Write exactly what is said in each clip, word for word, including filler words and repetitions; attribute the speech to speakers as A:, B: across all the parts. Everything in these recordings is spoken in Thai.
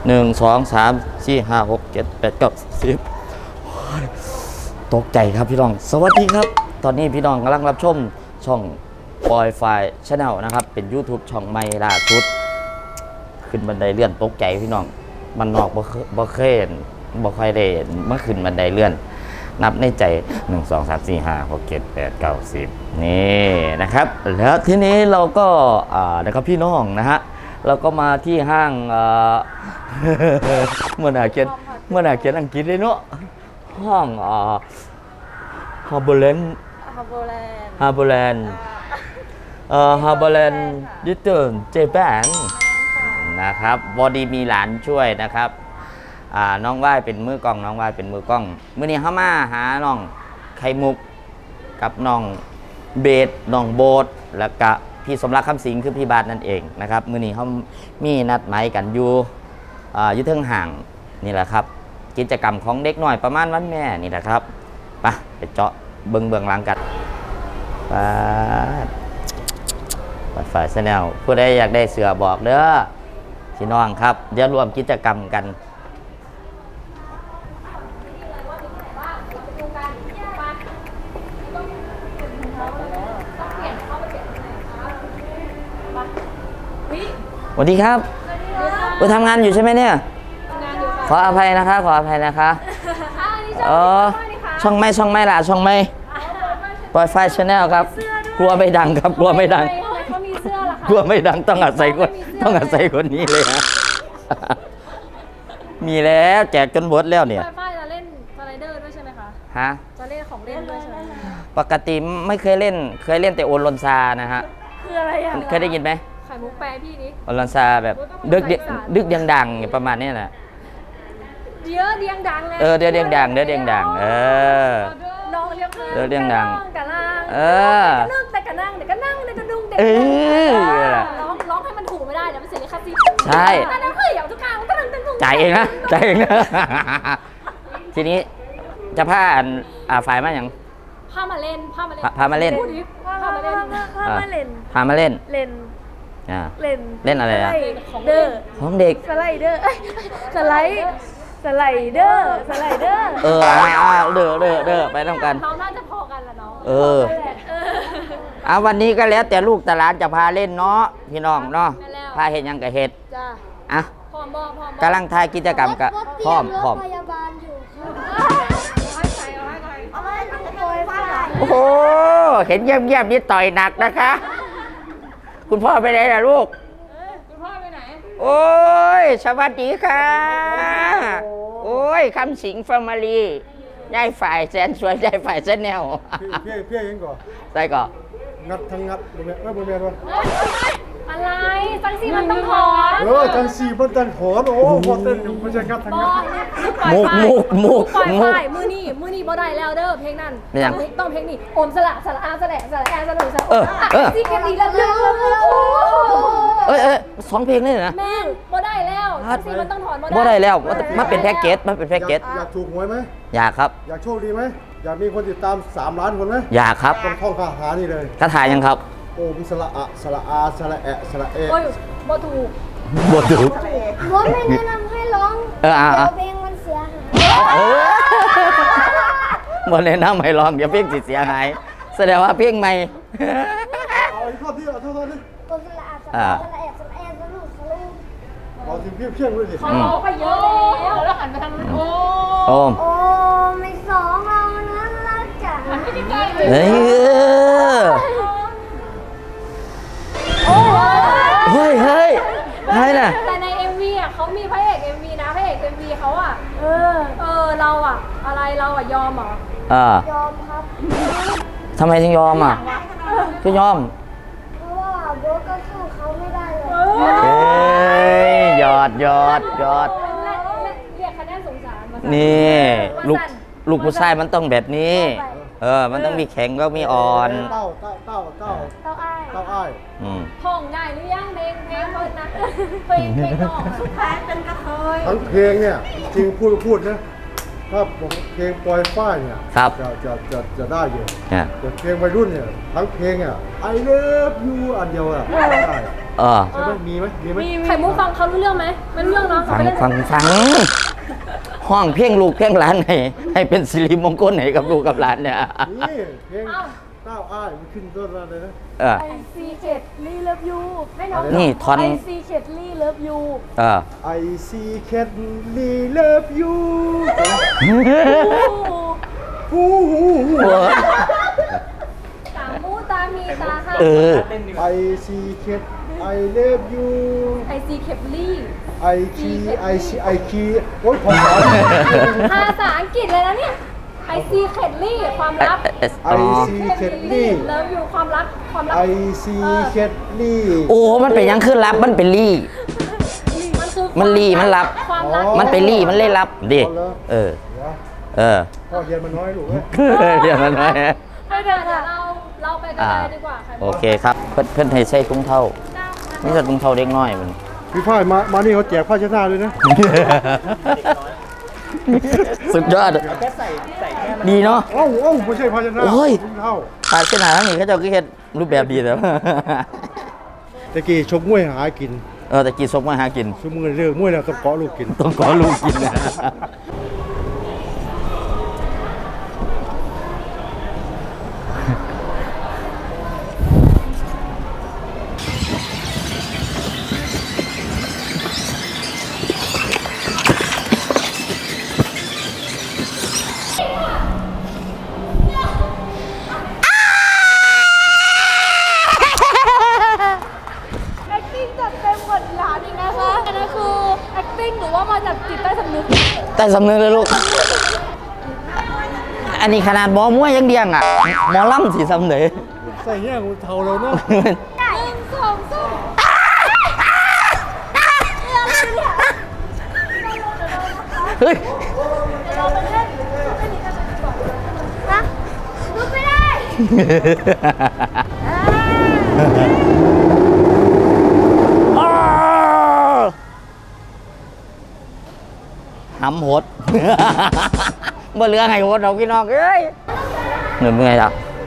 A: หนึ่งสองสามสี่ห้าหกเจ็ดแปดเก้าสิบตกใจครับพี่น้องสวัสดีครับตอนนี้พี่น้องกำลังรับชมช่องปอยไฟชาแนลนะครับเป็น YouTube ช่องใหม่ล่าสุดขึ้นบันไดเลื่อนตกใจพี่น้องมันนอกบ่บ่เคยบ่ค่อยได้เมื่อขึ้นบันไดเลื่อนนับในใจหนึ่ง สอง สาม สี่ ห้า หก เจ็ด แปด เก้า สิบนี่นะครับแล้วทีนี้เราก็อ่านะครับพี่น้องนะฮะเราก็มาที่ห้างเมื่อไหร่เขียนเมื่อไหร่เขียนอังกฤษเลยเนาะห้างอ่าฮาร์เบอร์แลนด์
B: ฮาร์เบอร์แลนด์
A: ฮาร์เบอร์แลนด์เอ่อฮาร์เบอร์แลนด์ดิเตอร์เจแปนนะครับบอดี้มีหลานช่วยนะครับอ่าน้องว่ายเป็นมือกล้องน้องว่ายเป็นมือกล้องมื้อนี้เฮามาหาน้องไข่มุกกับน้องเบสน้องโบสแล้วก็พี่สมรักคำสิงคือพี่บาทนั่นเองนะครับมื้อนี้เขามีนัดหมายกันอยู่อ่าอยู่เทิงห่างนี่แหละครับกิจกรรมของเด็กน้อยประมาณวันแม่นี่แหละครับไปไปเจาะเบิ่งเบื้องหลังกันไปไปฝ่ายแนลผู้ใดอยากได้เสือบอกเด้อพี่น้องครับเดี๋ยวรวมกิจกรรมกันสวัสดีครับไปทำงานอยู่ใช่ไหมเนี่ยขออภัยนะคะขออภัยนะคะเออช่องไม่ช่องไม่ล่ะช่องไม่ปล่อยไฟชาแนลครับกลัวไม่ดังครับกลัวไม่ดังกลัวไม่ดังต้องอาศัยคนต้องอาศัยคนนี้เลยฮะมีแล้วแจกจนหมดแล้วเนี่ย
B: ไฟจะเล่นสไลเดอร์ด้วยใช่ไหมคะ
A: ฮะ
B: จะเล่นของเล่นด้วยใช่ไหม
A: ปกติไม่เคยเล่นเคยเล่นแต่โอนลนซานะฮะ
B: คืออะไรอ่ะ
A: เคยได้ยินไหม
B: ไข่มุกแปรพี่นี้
A: โอนลนซาแบบดึกดึกดังๆประมาณนี้แหละ
B: เดี๋ยวเดียงดังไง
A: เออเดี๋ยวเดียงดังเดี๋ยวเดียงดังเออ
B: น้องเรียก
A: เดี๋ยวเดียงดัง
B: กะล่าง
A: เออ
B: นั่งแต่กะนั่งเดี๋ยวกะนั่งเดี๋ยวกะดุ้งเดี๋ยว
A: เออ
B: ร้องร้องให้มันถูกไม่ได้เดี๋ยวมันเสียลิขสิทธิ์
A: ใช่
B: อันนั้นคืออย่างทุกครั้งก็ตึ้งตึ้งตึ้ง
A: จ่ายเองนะจ่ายเองนะทีนี้จะพาอ่าฝ่ายมาอย่าง
B: พามาเล่นพามาเล่น
A: พามาเล่น
B: พามาเล่น
C: พามาเล่น
A: พามาเล่น
C: เล่น
A: อ่า
C: เล่น
A: เล่นอะไรอะ
C: เดอร์
A: ของเด็ก
C: สไลเดอร์สไลด์สไลเดอร์สไลเดอร์
A: เอออ่าเด้อเด้อเด้อไปทำกัน
B: เราน่าจะพอกันละน้อง
A: เออเอาวันนี้ก็แล้วแต่ลูกตลาดจะพาเล่นเนาะพี่น้องเนาะพาเห็ดยังกับเห็ด
B: จ้า
A: อ่ะ
B: พร้อมบ่พร้อม
A: กำลังทายกิจกรรมกับพร้อมพร้อม
C: พยาบาลอยู่
A: โอ้โหเห็นเงียบๆนี่ต่อยหนักนะคะคุณพ่อไปไหนล่ะลูก
B: คุณพ่อไปไหน
A: โอ้ยสวัสดีค่ะโอ้ยคำสิงแฟมิลี่ยายฝ่ายแสนสวยยายฝ่ายแสนแนว
D: เพี่ยเพี่ยยังก่อน
A: ใส่ก่อน
D: งัดทั้งงัดบนเมียไม่บนเมียด้วย
B: อะไรจังสีมันต้องถอน
D: เออจังสีมันต้องถอนโอ้พอเต้นอยู่มันจะงัดทั้งงัด
A: มุกมุกมุก
B: ปล่อย
A: มุก
B: ไฟมือนี่มือนี่บ่ได้แล้วเด้อเพลงนั้นต้องเพลงนี้โอมสละสละอาสละสละแอสละสละ
A: เออเออ
B: ซีแคดีแล้ว
A: เอ้ยเอ้ยสองเพลงเลยนะ
B: แม่งบ่ได้แล้วจังสีมันต้องถอน
A: บ่ได้แล้วมันเป็นแพ็กเกจมันเป็นแพ็กเกจ
D: อยากถูกหวยไหม
A: อยากครับ
D: อยากโชคดีไหมอยากมีคนติดตามสามล้านคนไหม
A: อยากครับ
D: ต้องท่องคาถานี่เลย
A: คาถายังครับ
D: โอมสละอะสละอาสละแอะสละเอ
B: โอ้ยบ่ถูก
A: บ่ถูก
C: รถไม่แนะนำให้ร้อง
A: เอออ่ะ
C: เพลงมันเสียหาย
A: บ่แนะนำให้ร้องเดี๋ยวเพลงสิเสียหายแสดงว่าเพลงใหม่
D: เอาอีกข้อที่เอาเท่านั้นดิ
C: โอมสละอาสละแอะสละแอะสละสละ
D: เอาถึงเพี้ยเพี้ยด้วยดิ
B: เขาบอกไปเยอะแล้วแล้วหันไปทางโอ้
A: โอ้
C: โอ้ไม่สองเรานั้นรักจ๋า
A: เฮ้ยเฮ้ยเฮ้ยเฮ้ยน่ะ
B: แต่ใน เอ็ม วี อ่ะเขามีพระเอก เอ็ม วี นะพระเอก เอ็ม วี เขาอ่ะเออเออเราอ่ะอะไรเราอ่ะยอมเหรอ
A: อ่าย
C: อมครับ
A: ทำไมถึงยอมอ่ะก็ยอม
C: เพราะว่าโบก็สู้เขาไม่ได้เลย
A: เฮ้ยยอดยอดยอด
B: เรียกคะแนนสงสารมา
A: นี่ลูกลูกผู้ชายมันต้องแบบนี้เออมันต้องมีแข็งก็มีอ่อน
D: เต้าเต้าเต้าเต้า
B: เต้าอ้าย
D: เต้าอ้าย
B: ท่องได้หรือยังเพลงเพลงเพิ่นนะเพลงเพลงน้องสุดท้ายเป็นกระเทย
D: ทั้งเพลงเนี่ยจริงพูดพูดนะถ้าผมเพลงปล่อยฝ้ายเนี่ยจะจะจะจะได้อยู่แต่เพลงวัยรุ่นเนี่ยทั้งเพลงอ่ะ I love you อันเดียวอ่ะได้
A: เออ
D: ใช่ไหมมีไหมมีไหม
B: ไข่มุกฟังเขารู้เรื่องไหมไม่รู้เรื่องเนาะเขา
A: ฟัง
B: ไม่เล่น
A: ฟังฟังห้องเพียงลูกเพียงหลานให้ให้เป็นสิริมงคลให้กับลูกกับหลานเนี่ย
D: นี่เพลงเต้าอ้ายมันขึ้นต้นอะไรนะ
A: เออ
C: ไอซีเข็ดลี่เลิฟยู
B: ให้น้อง
A: นี่ทอน
C: ไอซีเข็ดลี่เลิฟยู
A: เออ
D: I see cat me love you ฮู้ฮู้ฮู้
B: ตามูตามีตาค่ะ
A: เออ
D: I see cat I love you
B: ไอซีเคปลี่
D: I key I see I key โอ้ยภาษา
B: ภาษาอังกฤษเลยนะเนี่ยไอซีเคปลี่ความลับ
D: I see cat ลี่
B: เลิฟอยู่ความรักความรัก
D: I see cat ลี่
A: โอ้ มันเป็นยังขึ้นรับ มันเป็นลี่
B: มันคือ
A: มันลี่มันรับ
B: ความรัก
A: มันเป็นลี่ มันเล่นรับดิเออ เออ
D: พ่อเรียนมันน้อยลูกเอ้ย
A: เดี๋ยวมันไว้
B: ไปเดี๋ยวเราเราไปกันเลยดีกว่าค่ะ
A: โอเคครับ เพิ่นเพิ่นให้ใส่ถุงเท่านี่จะถุงเท่าเด็กน้อยมัน
D: พี่ฝ้ายมามานี่เขาแจกผ้าเช็ดหน้าด้วยนะ
A: สุดยอดดีเนาะ
D: เอ้าเอ้าไม่ใช่ผ้าเช็ดหน้า
A: โอ้ย
D: ถุงเท้า
A: ตาเส้นหนาทั้งนี้เขาเจะก็เฮ็ดรูปแบบดีแต่ว่า
D: ตะกี้ชกมวยหากิน
A: เออแต่กินซกมาหากิน
D: ชั่วโมงเรื่องมวยแล้วต้องเกาะลูกกิน
A: ต้องขอลูกกินนะ
C: acting จัดเต็มกดหลานอีกนะคะอันนั้นคือ acting หรือว่ามาจากจิตใต้สำนึก
A: แต่สำนึกเลยลูก อันนี้ขนาดหมอมวยยังเดียงอ่ะ หมอล่ำสีสำเนึก
D: ใส่แง่งูเทาเราเนาะ
C: หนึ่งสองสาม
A: เฮ้ย
C: เราไปเล่นเล่นนี้กันดีกว่านะลุกไม่ได้อ่า
A: หำหด บ่เหลือให้หดเอาพี่น้องเอ้ยเหนื่อยเมื่อยแล้ว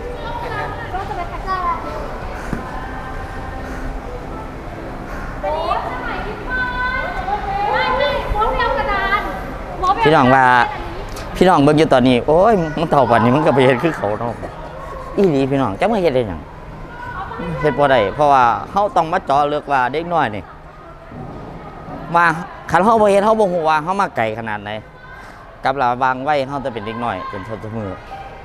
A: พี่น้องว่าพี่น้องเบิ่งอยู่ตอนนี้ โอ้ยมันเท่าปันนี้มันก็ไปเฮ็ดคือเขาเนาะอีหลีพี่น้องจักมาเฮ็ดได้หยังเฮ็ดบ่ได้เพราะว่าเฮาต้องมาเจาะเลือกว่าเด็กน้อยนี่ว่าคันเฮาบ่เฮ็ดเฮาบ่ฮู้ว่าเฮามาไกลขนาดไหนกับลาวางไว้เฮาจะเป็นเด็กน้อยจนเท่าทุกมื้อ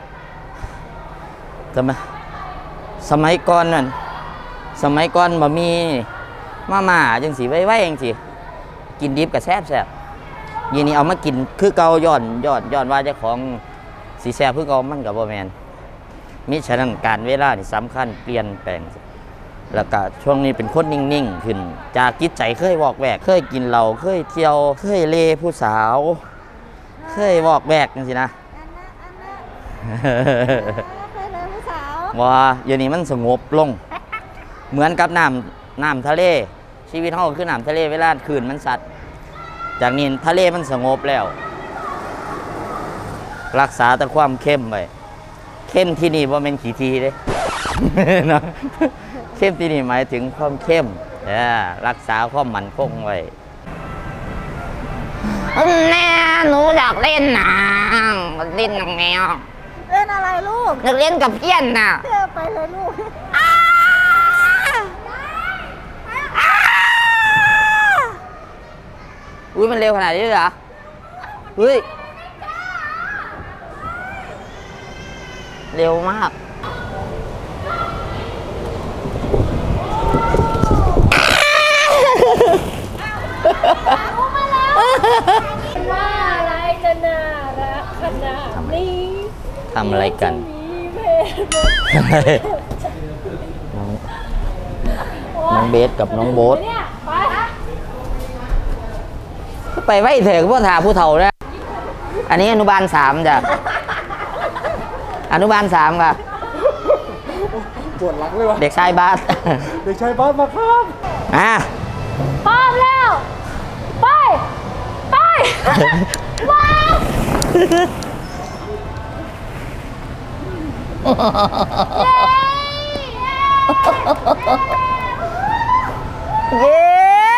A: จำไหมสมัยก่อนนั่นสมัยก่อนบ่มีมาม่าจังสิไว้ๆจังสิกินดิบก็แซ่บๆ ยีนี้เอามากินคือเกาย้อนย้อนย้อนว่าเจ้าของสีแซ่บคือเกามันกับบ่แมนมิฉะนั้นการเวลานี่สำคัญเปลี่ยนแปลงแล้วก็ช่วงนี้เป็นคนนิ่งๆขึ้นจากจิตใจเคยวอกแวกเคยกินเหล้าเคยเที่ยวเคยเลผู้สาว เคยวอกแวกจังซี่นะ
C: เคยเลยผู้สาว
A: ว่าเดี๋ยวนี้มันสงบลง เหมือนกับน้ำน้ำทะเลชีวิตเฮาคือน้ำทะเลเวลาคืนมันสัตว์จากนี้ทะเลมันสงบแล้ว รักษาแต่ความเข้มไว้เข้มที่นี่ว่าเป็นขี้ทีเด้ เนาะเข้มที่นี่หมายถึงความเข้มเออรักษาความมั่นคงไว้แม่หนูอยากเล่นน้ำเล่นน้ำแมว
C: เล่นอะไรลูก
A: อยากเล่นกับเพี้ยนน่ะ
C: เที่ยวไปเลยลูก
A: อุ้ยมันเร็วขนาดนี้เลยเหรอเฮ้ยเร็วมาก
B: ว่าอะไรจะน่ารักขนาดนี้
A: ทำอะไรกัน
B: มีเพศ
A: น้องน้องเบสกับน้องโบ๊ท
B: เนี่ยไป
A: ไปไว้เถอะพ่อถาผู้เฒ่านะอันนี้อนุบาลสามจ้ะอนุบาลสามค่ะ
D: ปวดหลังเลยวะ
A: เด็กชายบาส
D: เด็กชายบ้านมาครับ
A: อ่ะ
B: พร้อมแล้ว ไป ไป ว้าว
A: เเย้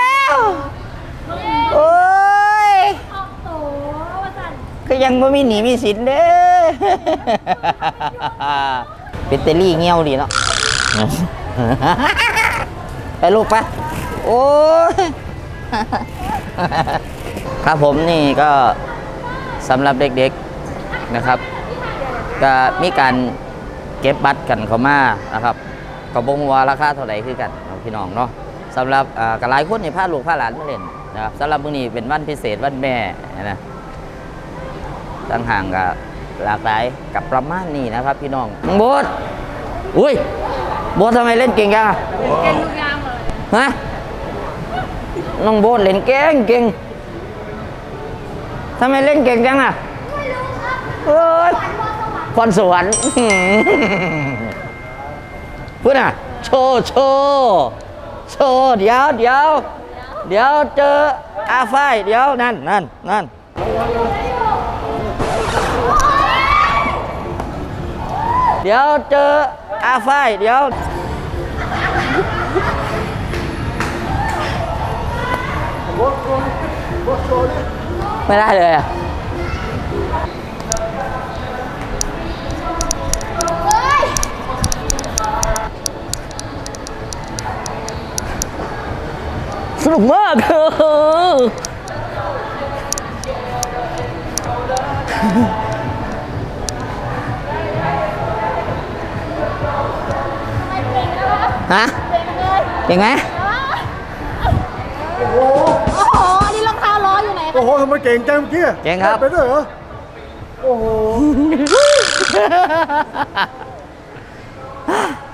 A: โอ้ย
C: ออกโตว่าสั่น
A: ก็ยังไม่มีหนีมีสินเด้อเป็นเตลลี่เงี้ยวดีเนาะ ไปลูกปะโอ้ย ครับผมนี่ก็สำหรับเด็กๆนะครับ ก็มีการเก็บบัตรกันเข้ามานะครับก็บ่ฮู้ว่าราคาเท่าไหร่คือกันเนาะพี่น้องเนาะสำหรับอ่ากหลายคนนี่พาลูกพาหลานมาเล่นนะครับสำหรับมื้อนี้เป็นวันพิเศษวันแม่นะตั้งห่างกับหลากหลายกับประมาณนี้นะครับ พี่น้องน้องโบ๊ทอุ้ยโบ๊ททำไมเล่นเก่งจังอะ
C: เก่งทุกอย่างเลย
A: ฮะน้องโบ๊ทเล่นเก่งเก่งทำไมเล่นเก่งจังอะไม่รู้ครับเอ้ยพรสวรรค์ พูดน่ะโชว์โชว์โชว์เดี๋ยวเดี๋ยวเดี๋ยวเจออาไฟเดี๋ยวนั่นนั่นนั่นเดี๋ยวเจออาไฟเดี๋ยวไม่ได้เลยอ่ะสนุกมากฮะเก่งไหม
C: โอ้โหอันนี้รองเท้าล้ออยู่ไหน
D: โอ้โหทำไมเก่งจังเมื่อกี้
A: เก่งครับ
D: ไปด้วยเหรอ โอ้โห